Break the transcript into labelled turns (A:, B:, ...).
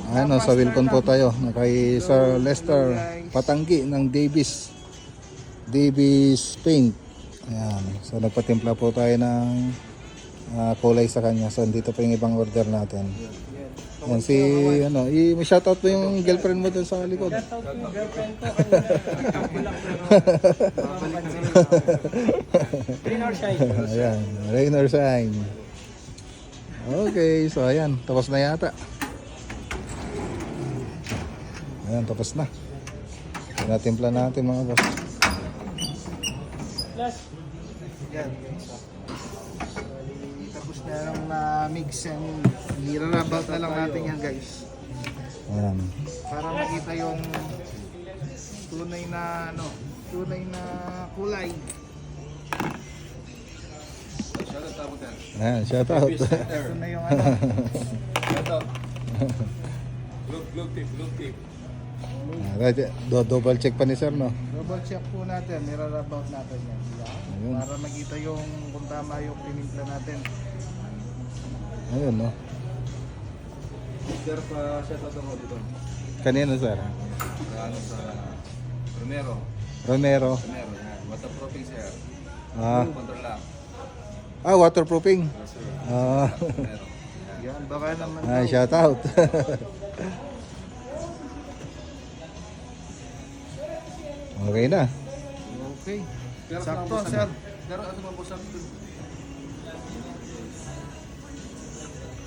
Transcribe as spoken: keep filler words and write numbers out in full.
A: Ano, sa Wilcon po tayo. Kay Sir Lester Patanggi ng Davis. Davis Paint. Ayan. So nagpatimpla po tayo ng ah, kulay sa kanya. So dito pa yung ibang order natin. Ayan, si ano, i-shoutout po yung girlfriend mo dun sa likod.
B: Shoutout po yung girlfriend ko kanina. Nagkabulak na. Rain or shine.
A: Ayan, rain or shine. Okay, so ayan, tapos na yata. Ayan, tapos na. Tinatimpla natin mga boss.
B: Plus,
C: Yan. Tapos na lang na mix and nirarabout na lang natin yan guys.
A: Ayan.
C: Para makita yung tunay na ano, tunay na kulay.
A: Ayan, shout out.
C: Ito na yung ano.
A: Alright, do double check pa ni sir, no?
C: Double check po natin, nirarabout natin yan.
A: Ayun.
C: Para makita yung kung tama yung pinimpla natin.
A: Ayun, no?
D: Sir, pa shoutout ako dito.
A: Kanino, sir?
D: Ano sa Romero.
A: Romero.
D: Romero, yan. Waterproofing, sir.
A: Ah,
D: Control lang.
A: ah waterproofing.
D: Yes, sir.
A: Ah,
D: Romero.
C: Yan, baka naman
A: ah
C: daw.
A: shout out. Okay na.
C: Okay.
D: Pero
C: Sakto,
D: ano po,
C: sir.
D: Pero ano po sa